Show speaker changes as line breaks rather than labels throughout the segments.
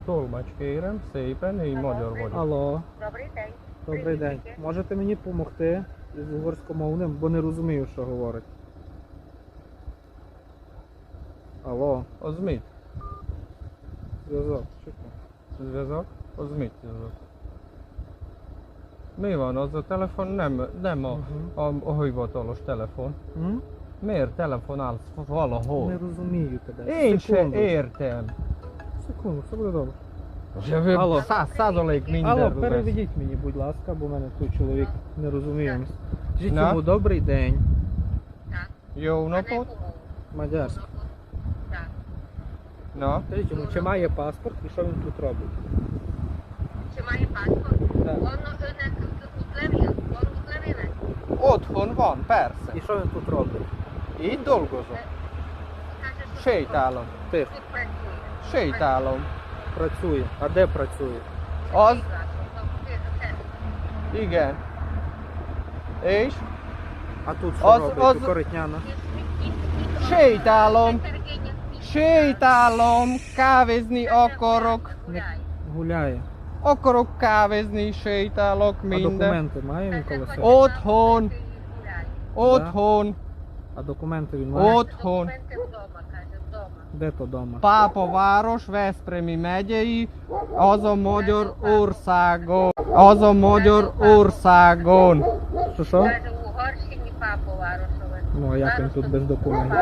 Tolmács kérem, szépen, én magyar vagyok.
Алло,
Добрий день.
добрий день. Можете мені допомогти з угорськомовним, бо не розумію, що говорить. Алло,
Az mit?
зв'язок, чекай.
Зв'язок? Az mit зв'язок? Mi van, az a telefon nem a hivatalos telefon.
М?
Miért telefonálsz valahol?
Не розумію тебе.
Én se
Секунду.
értem.
Секунду, все буде добре.
Jövő
Алло.
100%
Алло,
minden lesz.
переведіть мені, будь ласка, бо в мене тут чоловік не розуміє. Скажіть
На.
йому добрий день.
Так.
Jó
А на
napot?
яку мову?
Мадярський.
Так.
Na?
Скажіть йому, чи має паспорт і що він тут робить.
Чи має паспорт?
Так.
Önnek útlevél? Van útlevéle?
Otthon van, persze.
І що він тут робить?
Itt dolgozom.
Каже, що
Sétálom.
Тихо,
тут працює.
Sétálom.
працює. А де працює?
Az,
Це.
igen. És?
А тут що
Az-
робить?
az-
Коротняна.
Sétálom. Sétálom, kávézni akarok.
Гуляє.
Akarok kávézni, sétálok,
А
minden.
документи має він коло себе?
Otthon. Otthon.
А документи він має?
Otthon.
Документи вдома, каже, вдома.
Де то дома?
Pápaváros, Veszprémi megyei, az a Magyarországon. Az a Magyarországon.
Що що?
Каже, у Угорщині папу Варушове.
Ну, а як він тут без документів?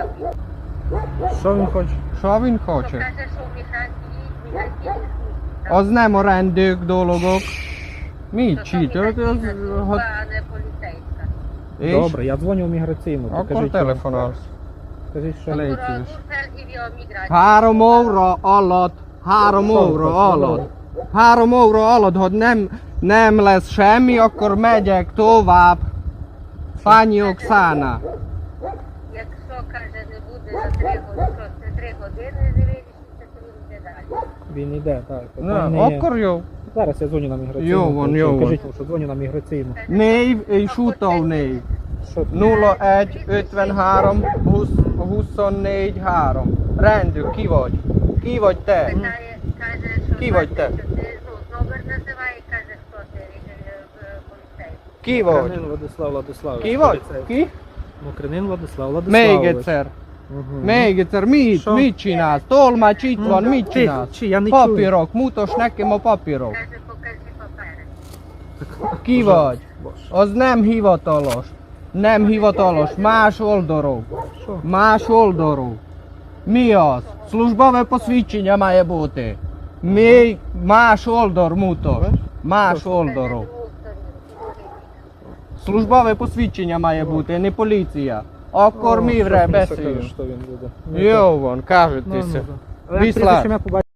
Що він хоче?
Що він хоче?
Каже, що в міграційній службі.
Az nem a rendőr dolgok. Mit csinálod?
А не поліцейська.
És?
Добре, я дзвоню в міграційну.
Akkor
Покажіть,
telefonálsz.
Скажіть, що
Теле-
Прокурор
Лейцевич.
felhívja a migrációt.
3 óra alatt, 3 óra alatt, 3 óra alatt, hogy nem lesz semmi, akkor megyek tovább. Pani Oksana.
Якщо, каже, не буде за 3 години, це 3 години не вирішиться, то він йде далі.
він йде, так.
Na,
Питань не є.
akkor jó.
Зараз я дзвоню на міграційну.
Jó van, jó van.
Кажіть, що дзвоню на міграційну.
Név és utónév.
Що?
01 53 20 24 3. Rendőr, ki vagy? Ki vagy te?
Питає, каже, що
Ки vagy te?
що ти, номер називає, каже, хто ти, поліцейський.
Ki vagy?
Мокринин Владислав Владиславович.
Ki vagy?
поліцейський.
Ki?
Mokrenin Владислав
Még
Владиславович.
egyszer.
Мгм.
Még egyszer.
So-
Mit csinálsz? Tolmács itt van, mit
Тихо,
csinálsz?
чи, я не чую.
Papírok, mutas nekem a papírok.
Каже, покажи папери.
Ki vagy?
Боже.
Az nem hivatalos. Nem hivatalos. Más oldalról.
Що?
Más oldalról. Mi az? Службове посвідчення має бути. Ми más oldal mutas. Más oldalról. Службове посвідчення має бути, не поліція. Akkor
О,
mi
щось
вже
мені таке,
beszélünk.
що він буде.
Jó van,
Ну,
кажетеся.
ну, да. Але
Віслав.
прізвище ім'я, по